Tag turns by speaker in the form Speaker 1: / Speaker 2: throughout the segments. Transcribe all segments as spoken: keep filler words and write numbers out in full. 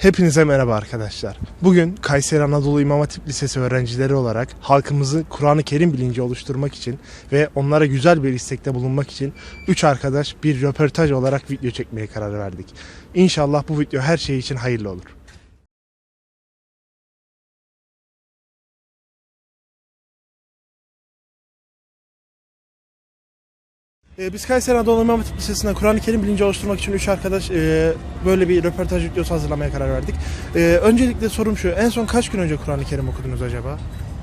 Speaker 1: Hepinize merhaba arkadaşlar. Bugün Kayseri Anadolu İmam Hatip Lisesi öğrencileri olarak halkımızı Kur'an-ı Kerim bilinci oluşturmak için ve onlara güzel bir istekte bulunmak için üç arkadaş bir röportaj olarak video çekmeye karar verdik. İnşallah bu video her şey için hayırlı olur. Ee, Biz Kayseri Anadolu İmam Hatip Lisesi'nde Kur'an-ı Kerim bilinci oluşturmak için üç arkadaş e, böyle bir röportaj videosu hazırlamaya karar verdik. E, öncelikle sorum şu, en son kaç gün önce Kur'an-ı Kerim okudunuz acaba?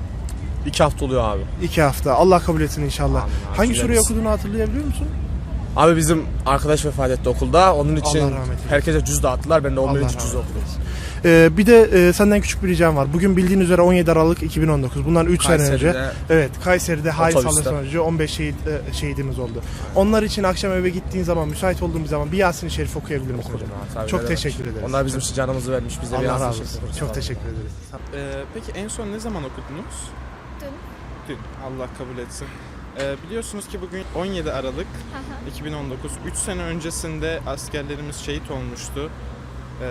Speaker 2: İki hafta oluyor abi.
Speaker 1: İki hafta. Allah kabul etsin inşallah.
Speaker 2: Amin,
Speaker 1: Hangi sureyi
Speaker 2: hatırlarız.
Speaker 1: okuduğunu hatırlayabiliyor musun?
Speaker 2: Abi bizim arkadaş vefat etti okulda. Onun için
Speaker 1: Allah rahmet eylesin.
Speaker 2: herkese cüz dağıttılar. Ben de on
Speaker 1: Allah
Speaker 2: birinci
Speaker 1: rahmet
Speaker 2: cüz okudum.
Speaker 1: Ee, bir de e, senden küçük bir ricam var. Bugün bildiğin üzere on yedi Aralık iki bin on dokuz. Bundan üç sene önce.
Speaker 2: Kayseri'de-
Speaker 1: Evet, Kayseri'de hain
Speaker 2: Otobüste.
Speaker 1: saldırı sonucu on beş şehit, e, şehidimiz oldu. Onlar için akşam eve gittiğin zaman, müsait olduğun bir zaman bir Yasin-i Şerif okuyabilir misin hocam?
Speaker 2: Tabii,
Speaker 1: Çok
Speaker 2: ne
Speaker 1: teşekkür
Speaker 2: demek.
Speaker 1: ederiz.
Speaker 2: Onlar bizim için canımızı vermiş. Biz de bir
Speaker 1: Allah
Speaker 2: yazmış
Speaker 1: razı olsun.
Speaker 2: yapıyoruz.
Speaker 1: Çok teşekkür ederiz.
Speaker 3: Ee, peki en son ne zaman okudunuz?
Speaker 4: Dün.
Speaker 3: Dün. Allah kabul etsin. Ee, biliyorsunuz ki bugün on yedi Aralık iki bin on dokuz. üç sene öncesinde askerlerimiz şehit olmuştu. Ee,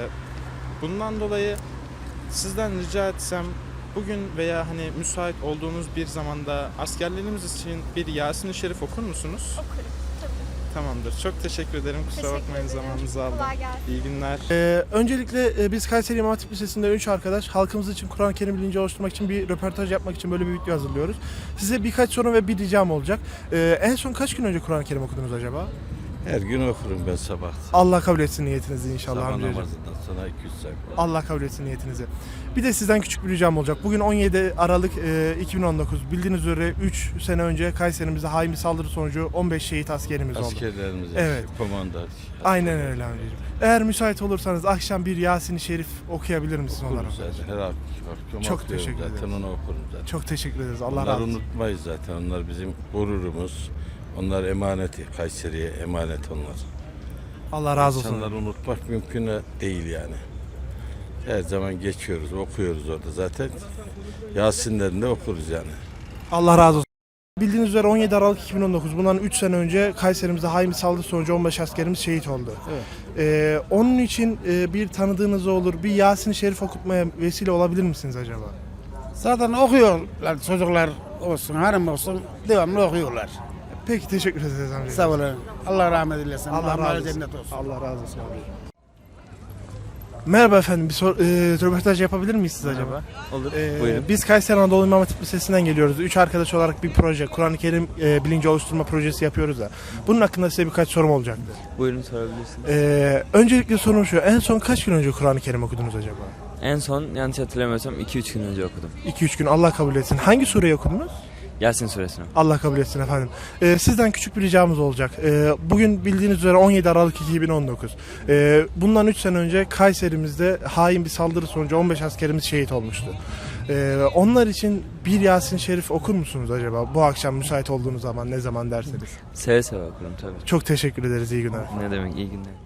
Speaker 3: bundan dolayı sizden rica etsem bugün veya hani müsait olduğunuz bir zamanda askerlerimiz için bir Yasin-i Şerif okur musunuz?
Speaker 4: Okurum tabii.
Speaker 3: Tamamdır. Çok teşekkür ederim. Kusura
Speaker 4: Teşekkür
Speaker 3: bakmayın
Speaker 4: ederim.
Speaker 3: zamanınızı aldım.
Speaker 4: Kolay gelsin.
Speaker 3: İyi günler.
Speaker 1: Ee, öncelikle e, biz Kayseri İmam Hatip Lisesi'nde üç arkadaş halkımız için Kur'an-ı Kerim bilinci oluşturmak için bir röportaj yapmak için böyle bir video hazırlıyoruz. Size birkaç soru ve bir ricam olacak. Ee, en son kaç gün önce Kur'an-ı Kerim okudunuz acaba?
Speaker 5: Her gün okurum ben sabah.
Speaker 1: Allah kabul etsin niyetinizi inşallah
Speaker 5: Sabah
Speaker 1: amcacığım.
Speaker 5: namazından sonra iki yüz sayfa.
Speaker 1: Allah kabul etsin niyetinizi. Bir de sizden küçük bir ricam olacak. Bugün on yedi Aralık e, iki bin on dokuz. Bildiğiniz üzere üç sene önce Kayserimizde hain bir saldırı sonucu on beş şehit askerimiz oldu.
Speaker 5: Askerlerimiz,
Speaker 1: Evet.
Speaker 5: komanda.
Speaker 1: Aynen öyle amcacığım. Eğer müsait olursanız akşam bir Yasin-i Şerif okuyabilir misiniz onlara?
Speaker 5: Okurum zaten. Her akşam
Speaker 1: Çok
Speaker 5: okuyorum
Speaker 1: teşekkür
Speaker 5: zaten.
Speaker 1: ederiz.
Speaker 5: Onu okurum zaten.
Speaker 1: Çok teşekkür ederiz. Allah
Speaker 5: Onları
Speaker 1: razı olsun.
Speaker 5: unutmayız zaten. Onlar bizim gururumuz. Onlar emaneti. Kayseri'ye emanet onlar.
Speaker 1: Allah razı olsun.
Speaker 5: İnsanları unutmak mümkün değil yani. Her zaman geçiyoruz, okuyoruz orada zaten. Yasinlerini de okuruz yani.
Speaker 1: Allah razı olsun. Bildiğiniz üzere on yedi Aralık iki bin on dokuz. Bundan üç sene önce Kayserimizde hain bir saldırı sonucu on beş askerimiz şehit oldu.
Speaker 3: Evet.
Speaker 1: Ee, onun için e, bir tanıdığınız olur, bir Yasin-i Şerif okutmaya vesile olabilir misiniz acaba?
Speaker 6: Zaten okuyorlar çocuklar olsun, hanım olsun devamlı okuyorlar.
Speaker 1: Peki teşekkür ederiz amca.
Speaker 6: Sağ olun. Allah rahmet eylesin.
Speaker 1: Allah
Speaker 6: Muhammed'e
Speaker 1: razı olsun.
Speaker 6: cennet olsun.
Speaker 1: Allah razı olsun abi. Merhaba efendim, bir sor, e, röportaj yapabilir miyiz siz acaba?
Speaker 2: Olur.
Speaker 1: Ee,
Speaker 2: Buyurun.
Speaker 1: Biz Kayseri Anadolu İmam Hatip Lisesi'nden geliyoruz. Üç arkadaş olarak bir proje, Kur'an-ı Kerim e, bilinci oluşturma projesi yapıyoruz da. Bunun hakkında size birkaç sorum olacaktı.
Speaker 7: Buyurun sorabilirsiniz.
Speaker 1: Ee, öncelikle sorum şu, en son kaç gün önce Kur'an-ı Kerim okudunuz acaba?
Speaker 7: En son yanlış hatırlamıyorsam iki üç gün önce okudum.
Speaker 1: iki üç gün, Allah kabul etsin. Hangi sureyi okudunuz?
Speaker 7: Yasin suresini.
Speaker 1: Allah kabul etsin efendim. Ee, sizden küçük bir ricamız olacak. Ee, bugün bildiğiniz üzere on yedi Aralık iki bin on dokuz. Ee, bundan üç sene önce Kayserimizde hain bir saldırı sonucu on beş askerimiz şehit olmuştu. Ee, onlar için bir Yasin Şerif okur musunuz acaba? Bu akşam müsait olduğunuz zaman, ne zaman derseniz.
Speaker 7: Seve seve okurum tabii.
Speaker 1: Çok teşekkür ederiz, iyi günler.
Speaker 7: Ne demek, iyi günler.